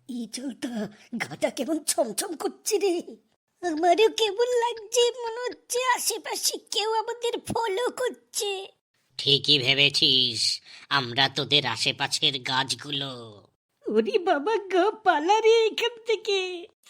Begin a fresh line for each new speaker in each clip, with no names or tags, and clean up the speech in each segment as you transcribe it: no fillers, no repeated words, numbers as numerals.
এই চলতা গাটা কেমন ছমছম করছে রে। আমারও কেমন লাগছে, মনে হচ্ছে আশেপাশে কেউ আমাদের ফলো করছে।
ঠিকই ভেবেছিস, আমরা তোদের আশেপাশের গাছগুলো।
ওরে বাবা গো, পালা রে এখান থেকে।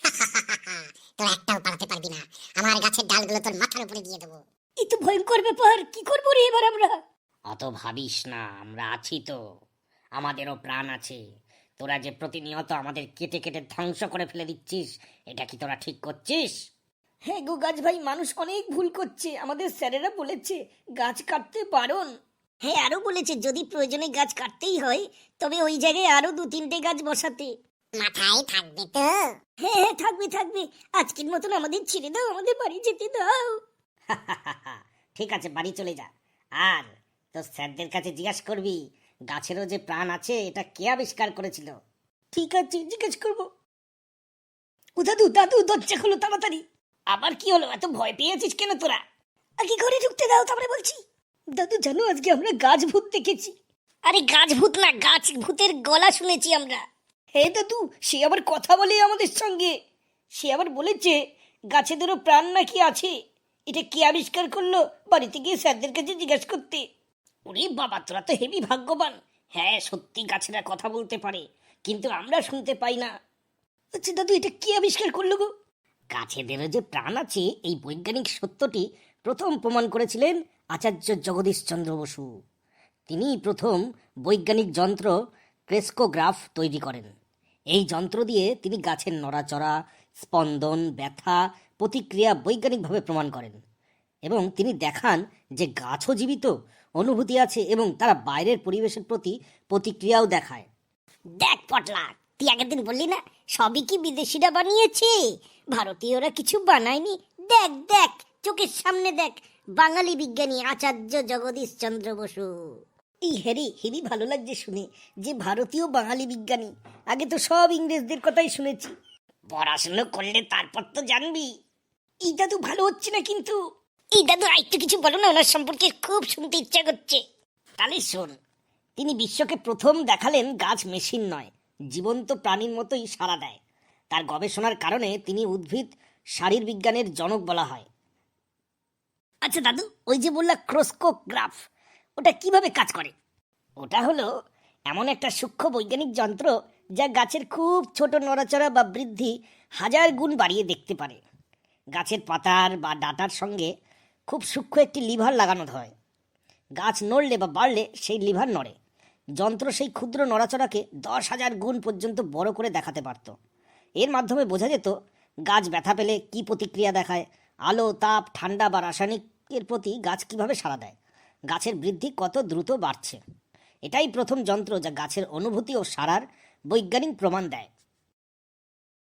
তোরা একটাও পালাতে পারবি না, আমার গাছের ডালগুলো তোর মাথার উপরে দিয়ে দেবো।
এই তো ভয়ঙ্কর ব্যাপার, কি করবো রে এবার আমরা?
অত ভাবিস না, আমরা আছি তো, আমাদেরও প্রাণ আছে। তোরা যে প্রতিনিয়ত আমাদের কেটে কেটে ধ্বংস করে ফেলে দিচ্ছিস, এটা কি তোরা ঠিক করছিস?
হ্যাঁ গো গাছ ভাই, মানুষ অনেক ভুল করছে, আমাদের স্যারেরা বলেছে গাছ কাটতে বারণ। হ্যাঁ, আরো বলেছে যদি প্রয়োজনে গাছ কাটতেই হয় তবে ওই জায়গায় আরো 2-3টে গাছ বসাতে।
মাথায় থাকবে তো?
হ্যাঁ হ্যাঁ, থাকবে থাকবে। আজকের মতন আমাদের ছেড়ে দাও, আমাদের বাড়ি যেতে দাও।
ঠিক আছে, বাড়ি চলে যা। আর তোর স্যারদের কাছে জিজ্ঞাসা করবি গাছেরও যে প্রাণ আছে এটা কে আবিষ্কার করেছিল।
ঠিক আছে, জিজ্ঞেস করবো। ও দাদু দাদু, দরজা খোলো তাড়াতাড়ি।
আবার কি হলো, এত ভয় পেয়েছিস কেন তোরা?
আগে ঘরে ঢুকতে দাও, তারপরে বলছি। দাদু জানো, আজকে আমরা গাছ ভূত দেখেছি।
আরে গাছ ভূত না, গাছ ভূতের গলা শুনেছি আমরা।
হে দাদু, সে আবার কথা বলে আমাদের সঙ্গে। সে আবার বলেছে গাছেদেরও প্রাণ নাকি আছে। এটা কে আবিষ্কার করলো, বাড়িতে গিয়ে স্যারদের কাছে জিজ্ঞাসা করতে।
ওরে বাবা, তোরা তো হেবি ভাগ্যবান। হ্যাঁ, সত্যি গাছেরা কথা বলতে পারে, কিন্তু আমরা শুনতে পাই না।
আচ্ছা দাদু, এটা কে আবিষ্কার করলো গো?
গাছেদেরও যে প্রাণ আছে এই বৈজ্ঞানিক সত্যটি প্রথম প্রমাণ করেছিলেন আচার্য জগদীশচন্দ্র বসু। তিনি প্রথম বৈজ্ঞানিক যন্ত্র ক্রেস্কোগ্রাফ তৈরি করেন। এই যন্ত্র দিয়ে তিনি গাছের নড়াচড়া, স্পন্দন, ব্যথা, প্রতিক্রিয়া বৈজ্ঞানিকভাবে প্রমাণ করেন এবং তিনি দেখান যে গাছও জীবিত, অনুভূতি আছে এবং তারা বাইরের পরিবেশের প্রতি প্রতিক্রিয়াও দেখায়।
দেখ পটলা, তুই আগের দিন বললি না সবই কি বিদেশিরা বানিয়েছে, ভারতীয়রা কিছু বানায়নি? দেখ দেখ, চোখের সামনে দেখ, বাঙালি বিজ্ঞানী আচার্য জগদীশ চন্দ্র বসু। এই হেরি হেরি ভালো লাগছে শুনে যে ভারতীয় বাঙালি বিজ্ঞানী। আগে তো সব ইংরেজদের কথাই শুনেছি।
পড়াশুনো করলে তারপর তো জানবি।
এই দাদু ভালো হচ্ছে না কিন্তু। এই দাদু আরেকটু কিছু বলো না, ওনার সম্পর্কে খুব শুনতে ইচ্ছা করছে।
তাহলে শোন, তিনি বিশ্বকে প্রথম দেখালেন গাছ মেশিন নয়, জীবন্ত প্রাণীর মতোই সাড়া দেয়। তার গবেষণার কারণে তিনি উদ্ভিদ শারীরবিজ্ঞানের জনক বলা হয়।
আচ্ছা দাদু, ওই যে বললা ক্রোস্কোগ্রাফ, ওটা কিভাবে কাজ করে?
ওটা হলো এমন একটা সূক্ষ্ম বৈজ্ঞানিক যন্ত্র যা গাছের খুব ছোট নড়াচড়া বা বৃদ্ধি 1000 গুণ বাড়িয়ে দেখতে পারে। গাছের পাতার বা ডাঁটার সঙ্গে খুব সূক্ষ্ম একটি লিভার লাগানো হয়। গাছ নড়লে বা বাড়লে সেই লিভার নড়ে। যন্ত্র সেই ক্ষুদ্র নড়াচড়াকে 10,000 গুণ পর্যন্ত বড় করে দেখাতে পারত। এর মাধ্যমে বোঝা যেত গাছ ব্যথা পেলে কী প্রতিক্রিয়া দেখায়, আলো, তাপ, ঠান্ডা বা রাসায়নিকের প্রতি গাছ কীভাবে সাড়া দেয়, গাছের বৃদ্ধি কত দ্রুত বাড়ছে। এটাই প্রথম যন্ত্র যা গাছের অনুভূতি ও সাড়ার বৈজ্ঞানিক প্রমাণ দেয়।